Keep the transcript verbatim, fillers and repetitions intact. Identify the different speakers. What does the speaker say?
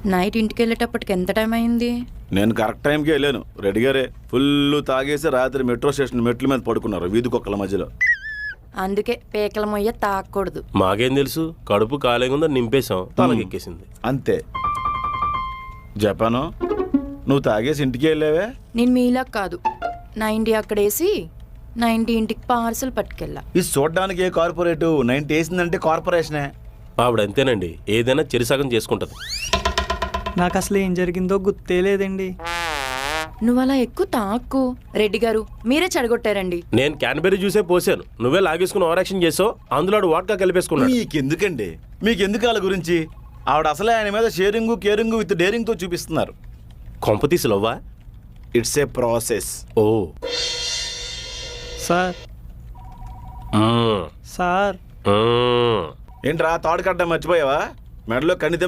Speaker 1: Night ఇంటికి వెళ్ళేటప్పటికి ఎంత టైం అయింది?
Speaker 2: నేను కరెక్ట్ టైంకి వెళ్ళాను. రెడీగారే ఫుల్ తాగేసి రాత్రి మెట్రో స్టేషన్ మెట్ల మీద పడుకున్నారు వీధి కుక్కల మధ్యలో.
Speaker 1: అందుకే పేకల మొయ్య తాకూడదు.
Speaker 3: మాకేం తెలుసు, కడుపు ఖాళీగా ఉందని నింపేశాం, తలకెక్కేసింది
Speaker 2: అంతే. జపాను, నువ్వు తాగేసి ఇంటికి వెళ్ళావే?
Speaker 1: నేను మీలా కాదు, నైంటీ అక్కడేసి నైంటీ ఇంటికి పార్సల్ పట్టుకెళ్ళా.
Speaker 2: ఇది చూడడానికి ఏ కార్పొరేటు, నైన్టీ వేసిందంటే కార్పొరేషనే.
Speaker 3: ఆవిడ అంతేనండి, ఏదైనా చెరిసగం చేసుకుంటది.
Speaker 4: నాకు అసలు ఏం జరిగిందో గుర్తే లేదండి.
Speaker 1: నువ్వు అలా ఎక్కువ తాక్కు. రెడ్డి గారు మీరే చెడగొట్టారండి.
Speaker 3: నేను క్యాన్బెరీ జ్యూసే పోసాను, నువ్వే లాగేసుకుని ఓవర్ యాక్షన్ చేసావు, అందులో వాడ్కా కలిపేసుకున్నాడు.
Speaker 2: మీకెందుకండి, మీకెందుకు వాళ్ళ గురించి? ఆవిడ అసలే ఆయన మీద షేరింగు కేరింగు విత్ డేరింగ్తో చూపిస్తున్నారు.
Speaker 3: కొంపతీసి లవ్వా?
Speaker 2: It's a process.
Speaker 3: ఓ
Speaker 4: సార్
Speaker 3: మ్మ్.
Speaker 4: సార్
Speaker 3: మ్మ్.
Speaker 2: ఏంట్రా తాడు కట్టడం మర్చిపోయావా? మెడలో కణిత